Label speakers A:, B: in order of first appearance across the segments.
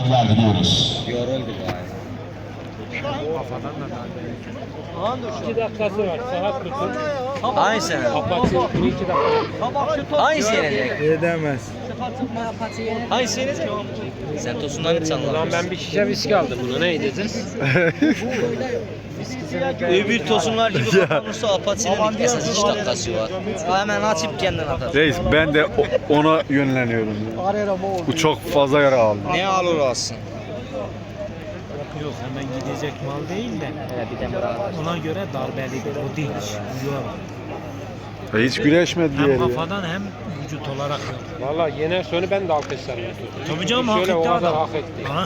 A: başarılar diliyoruz.
B: Yoruldu galiba.
C: Kafadan da daha 2 dakikası var. Saat tutun.
B: Hangi sene?
C: Apatı 2 dakika.
B: Hangisi yenecek?
D: Edemez.
B: Hangisi yenecek? Sen tosundan hiç
C: Ulan
B: anlamıyorsun.
C: ben bir şişe viski aldım bunu. Ne edeceğiz?
B: Öbür tosunlar gibi kapanırsa Apache'nin ilk esas 2 dakikası var. Hemen açıp kendin atar.
D: Reis ben de ona yönleniyorum. Bu çok fazla yara aldı.
B: Ne alır alsın?
C: Yok hemen gidecek mal değil de.
B: Bir de bırak.
C: Ona göre darbeli o değil.
D: Hiç güreşmedi
C: Hem
D: diğeri ya.
C: kafadan hem vücut olarak. Valla yener sonu ben de alkışlarım. Tabii canım hak etti adam. Hak etti. Ha?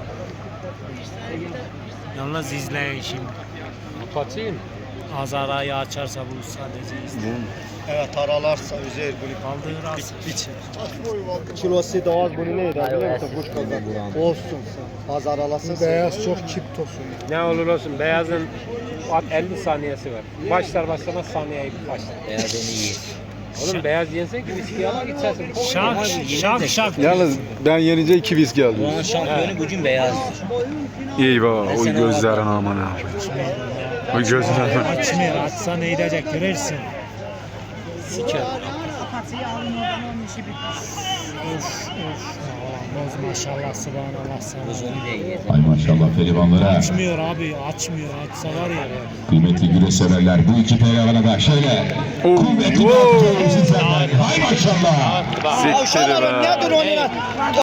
C: Yalnız izleyin şimdi.
E: Kapatayım.
C: Azarayı açarsa bu sadece izleyin.
F: Evet aralarsa özel bunu
C: Kaldığı rast.
F: kilosu da az bunu neydi biliyor musun? Kuş kazan. Olsun. Az aralasın. Beyaz çok çip tosun.
E: Ne olur olsun beyazın 50 saniyesi var. Başlar başlamaz saniyeyi başlar.
B: Beyaz onu iyi.
E: Oğlum beyaz yensen ki viski ala gitsersin.
C: Şak.
D: Yalnız ben yenince 2 viski aldım.
B: Buranın şampiyonu bugün beyaz.
D: İyi baba. O gözlerin aman ha. O gözlerin.
C: Açmıyor. Açsa ne edecek görürsün.
E: Siker.
C: Boz maşallah subhanallah sana.
B: Buzunu da iyi.
A: Ay maşallah pehlivanlara.
C: Açmıyor abi açmıyor. Açsa var ya.
A: Kıymetli güreş severler bu iki pehlivana da şöyle. Kuvvetli bir
D: wow.
A: atışlar sizlerden. Ay maşallah.
D: Siktir be.
F: Nedir onun?